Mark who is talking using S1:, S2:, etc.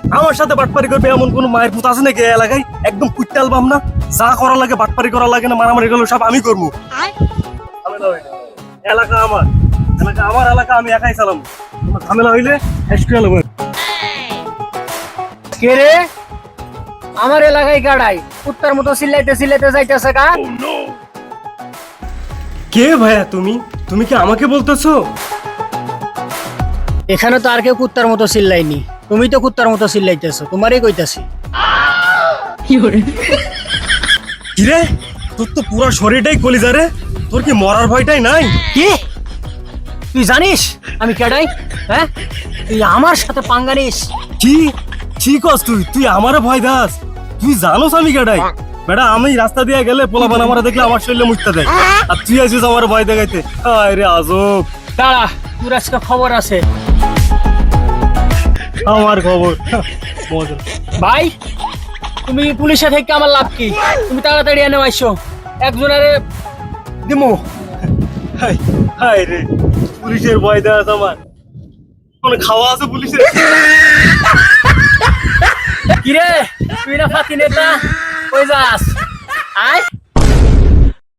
S1: আমার সাথে বাটপারি করবে এমন কোন মায়ের পুত আছে নাকি এই এলাকায়? একদম কুইট্টা অ্যালবাম না, যা করা লাগে বাটপারি করা লাগে না, মারামারি গেল সব আমি করবো। ঝামেলা হইলে এলাকা আমার, এলাকা আমার এলাকা, আমি একাই চালাম। কোনো ঝামেলা হইলে এসকিউএল হবে।
S2: কে রে? আমার এলাকায় গাড়াই কুত্তার মতো চিল্লাইতে চিল্লাইতে যাইতেছে গা।
S1: কে ভাইয়া তুমি? তুমি কি আমাকে বলতেছো?
S2: এখানে তো আর কেউ কুত্তার মতো চিল্লাইনি, তুমি তো কুত্তার মতো চিল্লাইতেছো, তোমারই কইতাছি।
S1: কিরে, তোর তো পুরো শরীরটাই কলিজা রে, তোর কি মরার ভয়টাই নাই?
S2: কি তুই জানিস আমি কেডাই? হ্যাঁ, তুই আমার সাথে পাঙ্গা নিস?
S1: কি ঠিক আছ তুই? তুই আমারে ভয় দাস? তুই জানোস আমি কেডাই? বেটা, আমি রাস্তা দিয়ে গেলে পোলাপান আমার দেখলে আমার শরীরে মুছতে দেয়, আর তুই আছিস আমার ভয় দেখাইতে। হায় রে আজব।
S2: দাঁড়া, তোর আজকে খবর আছে।
S1: আমার খবর মজা।
S2: ভাই, তুমি পুলিশে থেকে আমার লাভ কি? তুমি তাড়াতাড়ি এনে আইসো, একজনের দিমু।
S1: হায় হায় রে, পুলিশের ভয় দাস আমার? কোন খাওয়া আছে পুলিশের?
S2: কিরে, তুই না ফাতি নেতা, কই যাস? আয়।